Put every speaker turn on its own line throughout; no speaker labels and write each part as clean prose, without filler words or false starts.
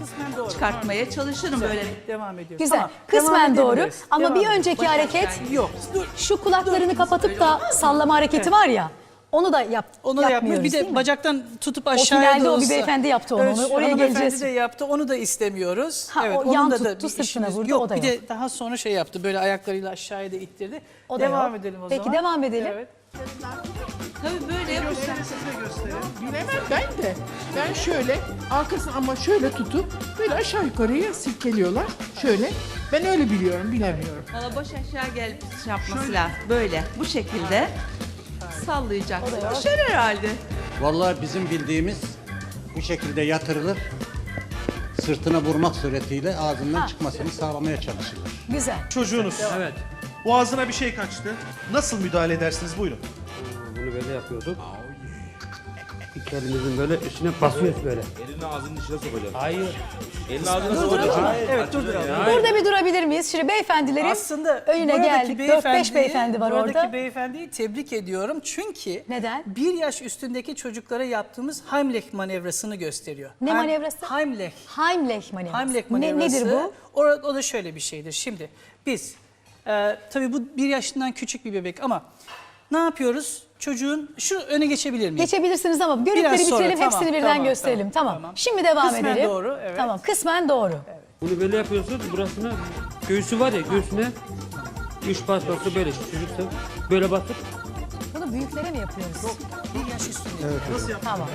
Kısmen doğru.
çıkartmaya çalışırım böyle.
Devam ediyoruz.
Güzel.
Tamam,
Kısmen
devam
doğru.
edebiliriz.
Ama
Devam
bir
edelim.
önceki hareket
Yok. Dur.
şu kulaklarını kapatıp da sallama hareketi var ya. Onu da
Onu da yapmıyor.
yapmıyoruz
Bir
değil
de
mi?
bacaktan tutup aşağıya
finalde o bir
olsa.
beyefendi yaptı onu.
Evet,
Oraya
hanımefendi
geleceğiz.
de yaptı. Onu da istemiyoruz.
Ha,
evet,
o
onun
yan
da
tuttu,
bir
sırtına
işimiz
vurdu,
yok.
o da
Bir
yok.
de daha sonra şey yaptı. Böyle ayaklarıyla aşağıya da ittirdi.
O da
devam
yok.
edelim o
Peki,
zaman.
devam edelim.
Evet.
Tabii böyle yapacağım.
Bilemem ben de. Ben şöyle arkasını ama şöyle tutup böyle aşağı yukarıya silkeliyorlar. Şöyle. Ben öyle biliyorum, bilemiyorum.
Valla baş aşağı gelip şey yapması lazım. Böyle bu şekilde sallayacak. Düşer herhalde.
Vallahi bizim bildiğimiz bu şekilde yatırılır. Sırtına vurmak suretiyle ağzından çıkmasını sağlamaya çalışılır.
Güzel.
Çocuğunuz. Evet. Boğazına bir şey kaçtı. Nasıl müdahale edersiniz? Buyurun.
Bunu böyle yapıyorduk. İki elimizin böyle üstüne basıyoruz böyle.
Elini ağzının içine sokacaksın.
Hayır.
Elini ağzına sokacaksın.
Evet durduralım.
Burada bir durabilir miyiz? Şimdi beyefendilerin
Aslında
önüne geldik. 4-5 beyefendi var
buradaki
orada.
beyefendiyi tebrik ediyorum. Çünkü
Neden?
1 yaş üstündeki çocuklara yaptığımız Heimlich manevrasını gösteriyor.
Ne manevrası?
Heimlich.
Heimlich manevrası.
Heimlich manevrası.
Nedir bu?
O da şöyle bir şeydir. Şimdi biz tabii bu 1 yaşından küçük bir bebek ama ne yapıyoruz? Çocuğun şu öne geçebilir miyim?
Geçebilirsiniz ama görüntüleri
Biraz sonra,
bitirelim,
tamam,
hepsini birden
tamam,
gösterelim. Tamam.
tamam.
Şimdi devam
Kısmen
edelim.
doğru, evet.
Tamam, kısmen doğru.
Bunu böyle yapıyorsunuz. Burasına göğsü var ya göğsüne 3 bas bası böyle çocuksa böyle basıp
Bunu büyüklere mi yapıyoruz?
1 yaş üstünde.
Tamam.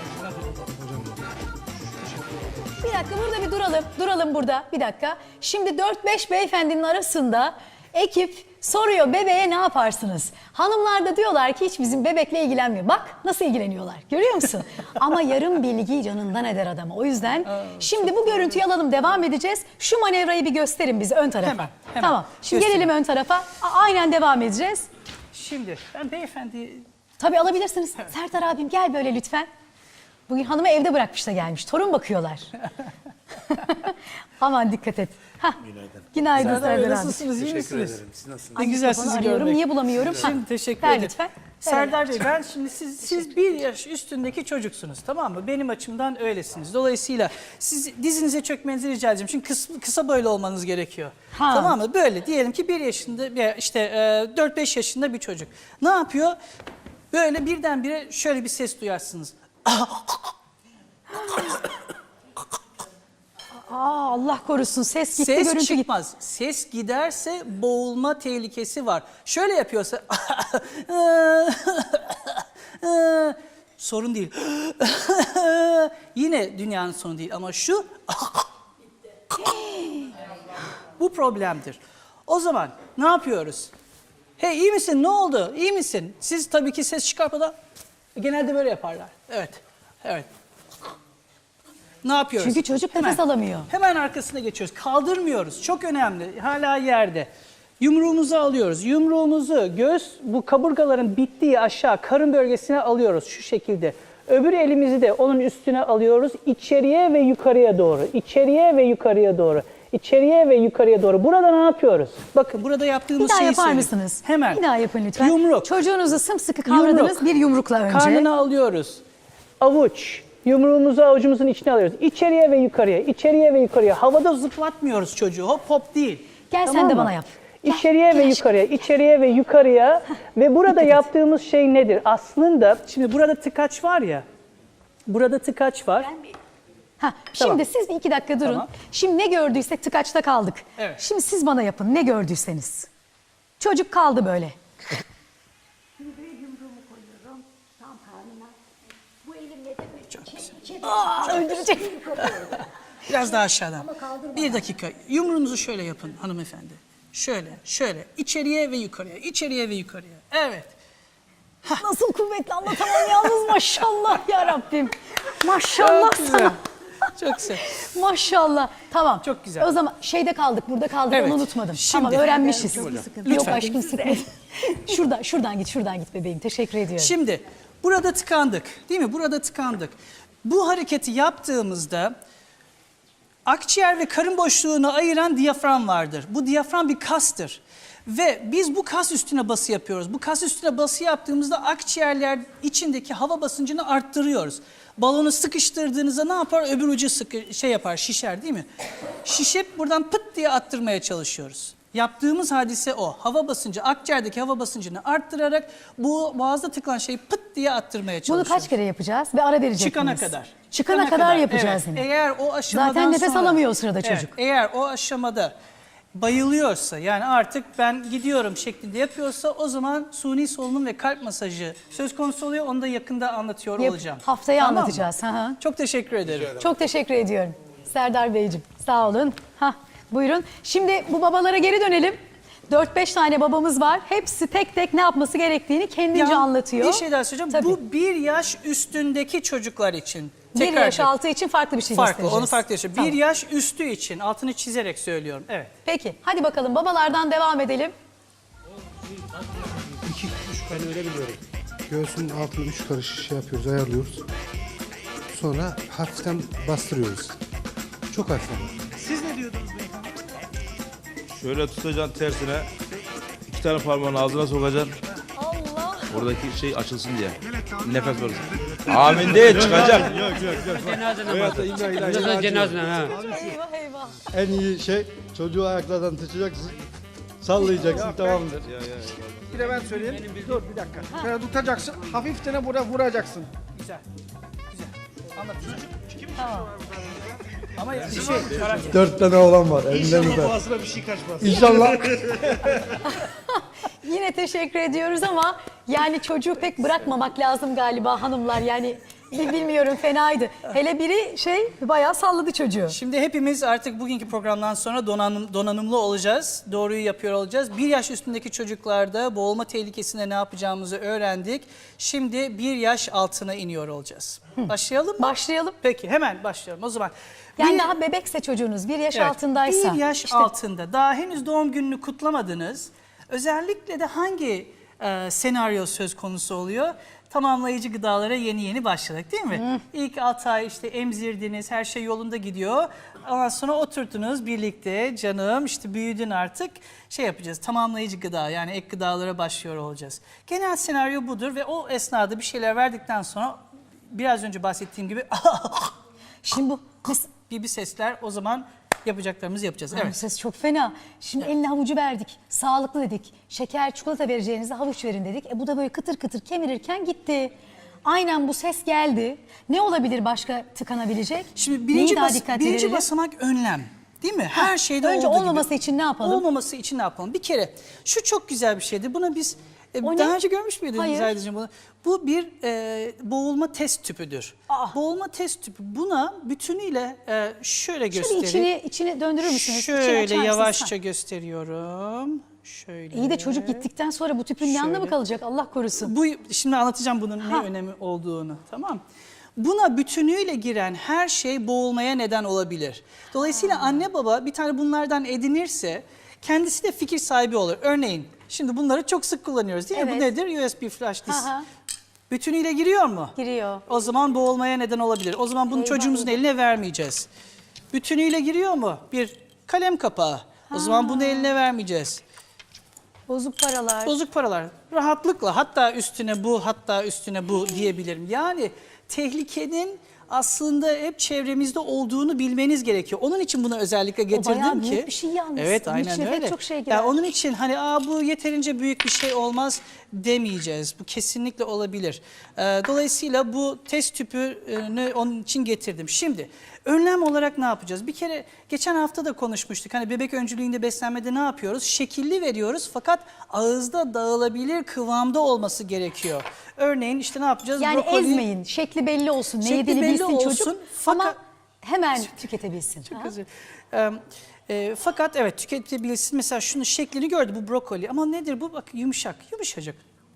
Bir dakika burada bir duralım. Duralım burada bir dakika. Şimdi 4-5 beyefendinin arasında ekip soruyor bebeğe ne yaparsınız? Hanımlar da diyorlar ki hiç bizim bebekle ilgilenmiyor. Bak nasıl ilgileniyorlar görüyor musun? Ama yarım bilgi canından eder adamı. O yüzden şimdi bu görüntüyü alalım devam edeceğiz. Şu manevrayı bir gösterin bize ön tarafa.
Hemen.
Tamam. Şimdi
Göstereyim.
gelelim ön tarafa. Aynen devam edeceğiz.
Şimdi ben beyefendi
Tabii alabilirsiniz. Sertar abim gel böyle lütfen. Bugün hanımı evde bırakmış da gelmiş. Torun bakıyorlar. Aman dikkat et. Hah. Günaydın
Serdar Bey,
Serdar abi.
nasılsılsınız? İyi misiniz? Ne
Ay,
güzel
mikrofonu
sizi
arıyorum.
görmek.
Niye bulamıyorum?
Şimdi
Ha,
teşekkür
ver
ederim.
lütfen.
Serdar Bey ben şimdi siz 1 yaş üstündeki çocuksunuz tamam mı? Benim açımdan öylesiniz. Dolayısıyla siz dizinize çökmenizi rica edeceğim. Çünkü kısa boylu olmanız gerekiyor.
Ha.
Tamam mı? Böyle diyelim ki 1 yaşında işte 4-5 yaşında bir çocuk. Ne yapıyor? Böyle birdenbire şöyle bir ses duyarsınız.
Aa, Allah korusun ses gitti
Ses
görüntü gitti.
çıkmaz. Ses giderse boğulma tehlikesi var. Şöyle yapıyorsa sorun değil. Yine dünyanın sonu değil ama şu bu problemdir. O zaman ne yapıyoruz? Hey iyi misin? Ne oldu? İyi misin? Siz tabii ki ses çıkartmadan genelde böyle yaparlar. Evet. Evet. Ne yapıyoruz?
Çünkü çocuk nefes alamıyor.
Hemen arkasına geçiyoruz. Kaldırmıyoruz. Çok önemli. Hala yerde. Yumruğumuzu alıyoruz. Yumruğumuzu bu kaburgaların bittiği aşağı karın bölgesine alıyoruz şu şekilde. Öbür elimizi de onun üstüne alıyoruz. İçeriye ve yukarıya doğru. İçeriye ve yukarıya doğru. İçeriye ve yukarıya doğru. Burada ne yapıyoruz? Bakın burada yaptığımız
Bir daha
şeyi
yapar
söyleyeyim.
mısınız?
Hemen.
Bir daha yapın lütfen.
Yumruk.
Çocuğunuzu sımsıkı kavradınız bir yumrukla önce.
Karnını alıyoruz. Avuç. Yumruğumuzu avucumuzun içine alıyoruz. İçeriye ve yukarıya, içeriye ve yukarıya. Havada zıplatmıyoruz çocuğu. Hop hop değil.
Gel sen
Tamam
de
mı?
bana yap. Gel,
İçeriye
gel
ve
aşkım.
yukarıya, içeriye ve yukarıya. Ve burada yaptığımız şey nedir? Aslında şimdi burada tıkaç var ya. Burada tıkaç var.
Ha,
Tamam.
şimdi siz bir 2 dakika durun.
Tamam.
Şimdi ne gördüysek tıkaçta kaldık.
Evet.
Şimdi siz bana yapın ne gördüyseniz. Çocuk kaldı böyle. Aa, öldürecek.
Biraz daha aşağıdan. Bir dakika. Yumruğunuzu şöyle yapın hanımefendi. Şöyle, şöyle. İçeriye ve yukarıya, içeriye ve yukarıya. Evet.
Nasıl kuvvetli anlatamam yalnız maşallah ya Rabbim. Maşallah
Çok güzel.
sana.
Çok güzel.
Maşallah. Tamam.
Çok güzel.
O zaman şeyde kaldık, burada kaldık.
Evet.
onu unutmadım.
Şimdi-
Tamam öğrenmişiz. Yok
Lütfen.
aşkım sıkma. şuradan git bebeğim. Teşekkür ediyorum.
Şimdi burada tıkandık değil mi? Burada tıkandık. Bu hareketi yaptığımızda akciğer ve karın boşluğunu ayıran diyafram vardır. Bu diyafram bir kastır. Ve biz bu kas üstüne bası yapıyoruz. Bu kas üstüne bası yaptığımızda akciğerler içindeki hava basıncını arttırıyoruz. Balonu sıkıştırdığınızda ne yapar? Öbür ucu yapar, şişer değil mi? Şişip buradan pıt diye attırmaya çalışıyoruz. Yaptığımız hadise o. Hava basıncı, akciğerdeki hava basıncını arttırarak bu boğazda tıkanan şeyi pıt diye attırmaya
Bunu
çalışıyoruz.
kaç kere yapacağız ve ara verecek
Çıkana
miyiz?
kadar.
Çıkana kadar yapacağız
evet.
yine.
Eğer o aşamadan
Zaten nefes
sonra,
alamıyor o sırada
evet,
çocuk.
eğer o aşamada bayılıyorsa, yani artık ben gidiyorum şeklinde yapıyorsa, o zaman suni solunum ve kalp masajı söz konusu oluyor. Onu da yakında anlatıyor olacağım.
Haftaya
Tamam mı?
anlatacağız. Hı hı.
Çok teşekkür ederim.
Çok teşekkür ediyorum Serdar Beyciğim. Sağ olun. Buyurun. Şimdi bu babalara geri dönelim. 4-5 tane babamız var. Hepsi tek tek ne yapması gerektiğini kendince anlatıyor.
Bir şey daha söyleyeceğim.
Tabii.
Bu 1 yaş üstündeki çocuklar için.
1 yaş altı için farklı bir şey
farklı,
göstereceğiz.
onu farklı yaşıyor.
Tamam.
1 yaş üstü için altını çizerek söylüyorum. Evet.
Peki hadi bakalım babalardan devam edelim.
2-3 ben öyle biliyorum. Göğsünün altını 3 karış şey yapıyoruz, ayarlıyoruz. Sonra hafiften bastırıyoruz. Çok hafif ama.
Siz ne diyordunuz beyefendi?
Şöyle tutacaksın tersine. 2 tane parmağını ağzına sokacaksın.
Allah.
Oradaki şey açılsın diye. Nefes verirsin. Amin değil, çıkacak.
Cenaze namazı. Ondan sonra cenaze namazı.
Eyvah eyvah.
En iyi şey çocuğu ayaklardan tutacaksın, sallayacaksın, tamamdır.
Bir de ben söyleyeyim. Dur bir dakika. Şöyle tutacaksın. Hafifçe buraya vuracaksın.
Güzel. Güzel. Anlatacağım.
Tamam.
Ama bir şey
4 tane oğlan var, elinden
İnşallah
öper.
boğazına bir şey kaçmaz.
İnşallah.
Yine teşekkür ediyoruz ama yani çocuğu pek bırakmamak lazım galiba hanımlar. Yani bilmiyorum fenaydı. Hele biri bayağı salladı çocuğu.
Şimdi hepimiz artık bugünkü programdan sonra donanımlı olacağız. Doğruyu yapıyor olacağız. 1 yaş üstündeki çocuklarda boğulma tehlikesinde ne yapacağımızı öğrendik. Şimdi 1 yaş altına iniyor olacağız. Başlayalım mı?
Başlayalım.
Peki hemen başlayalım. O zaman
Yani daha bebekse çocuğunuz 1 yaş
evet,
altındaysa.
1 yaş altında daha henüz doğum gününü kutlamadınız. Özellikle de hangi senaryo söz konusu oluyor? Tamamlayıcı gıdalara yeni başladık değil mi? İlk 6 ay işte emzirdiniz, her şey yolunda gidiyor. Ondan sonra oturdunuz birlikte, canım işte büyüdün artık, yapacağız. Tamamlayıcı gıda, yani ek gıdalara başlıyor olacağız. Genel senaryo budur ve o esnada bir şeyler verdikten sonra biraz önce bahsettiğim gibi
Şimdi bu
gibi sesler, o zaman yapacaklarımızı yapacağız.
Bu
Evet.
ses çok fena. Şimdi eline havucu verdik. Sağlıklı dedik. Şeker, çikolata vereceğinize havuç verin dedik. Bu da böyle kıtır kıtır kemirirken gitti. Aynen bu ses geldi. Ne olabilir başka tıkanabilecek?
Şimdi
Neyi daha dikkatli
birinci
verelim?
basamak önlem. Değil mi? Her şeyde
önce
olduğu
olmaması
gibi.
için ne yapalım?
Olmaması için ne yapalım? Bir kere şu çok güzel bir şeydi. Buna biz
O
daha
ne?
önce görmüş müydünüz
Hayır.
Zaydeciğim bunu? Bu bir boğulma test tüpüdür. Boğulma test tüpü. Buna bütünüyle şöyle göstereyim.
Şöyle içini döndürür müsünüz? İçini açar
Şöyle
mısınız?
yavaşça
Ha.
gösteriyorum. Şöyle.
İyi de çocuk gittikten sonra bu tüpün ne anlamı
Şöyle.
kalacak Allah korusun.
Şimdi anlatacağım bunun ne önemi olduğunu, tamam. Buna bütünüyle giren her şey boğulmaya neden olabilir. Dolayısıyla anne baba bir tane bunlardan edinirse kendisi de fikir sahibi olur. Örneğin şimdi bunları çok sık kullanıyoruz değil mi? Bu
Evet.
nedir? USB flash disk.
Aha.
Bütünüyle giriyor mu?
Giriyor.
O zaman boğulmaya neden olabilir. O zaman bunu
Eyvah,
çocuğumuzun
eyvah.
eline vermeyeceğiz. Bütünüyle giriyor mu? Bir kalem kapağı. O zaman bunu eline vermeyeceğiz.
Bozuk paralar.
Bozuk paralar. Rahatlıkla hatta üstüne bu, hatta üstüne bu diyebilirim. Yani tehlikenin aslında hep çevremizde olduğunu bilmeniz gerekiyor. Onun için bunu özellikle getirdim
bayağı
ki.
büyük bir şey yalnız.
Evet,
Onun
aynen
içine pek
öyle.
çok şey girer.
Yani onun için hani bu yeterince büyük bir şey olmaz demeyeceğiz. Bu kesinlikle olabilir. Dolayısıyla bu test tüpünü onun için getirdim. Şimdi önlem olarak ne yapacağız? Bir kere geçen hafta da konuşmuştuk. Hani bebek öncülüğünde beslenmede ne yapıyoruz? Şekilli veriyoruz fakat ağızda dağılabilir kıvamda olması gerekiyor. Örneğin işte ne yapacağız?
Yani ezmeyin. Şekli belli olsun. Ne
Şekli
yediğini
belli
bilsin
olsun,
çocuk.
fakat-
Ama hemen tüketebilsin.
Çok
Ha?
özür fakat evet tüketebilirsin. Mesela şunun şeklini gördü, bu brokoli. Ama nedir bu? Bak yumuşak, yumuşacık.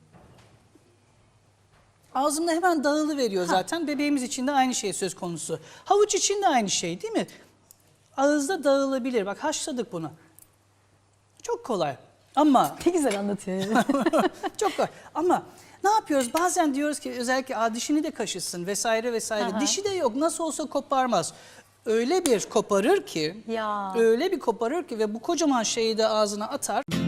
Ağzımda hemen dağılıveriyor zaten. Bebeğimiz için de aynı şey söz konusu. Havuç için de aynı şey değil mi? Ağızda dağılabilir. Bak haşladık bunu. Çok kolay. Ama
Ne güzel anlatıyor.
çok kolay. Ama ne yapıyoruz? Bazen diyoruz ki özellikle dişini de kaşısın vesaire vesaire.
Aha.
Dişi de yok. Nasıl olsa koparmaz. Öyle bir koparır ki,
Ya.
öyle bir koparır ki ve bu kocaman şeyi de ağzına atar.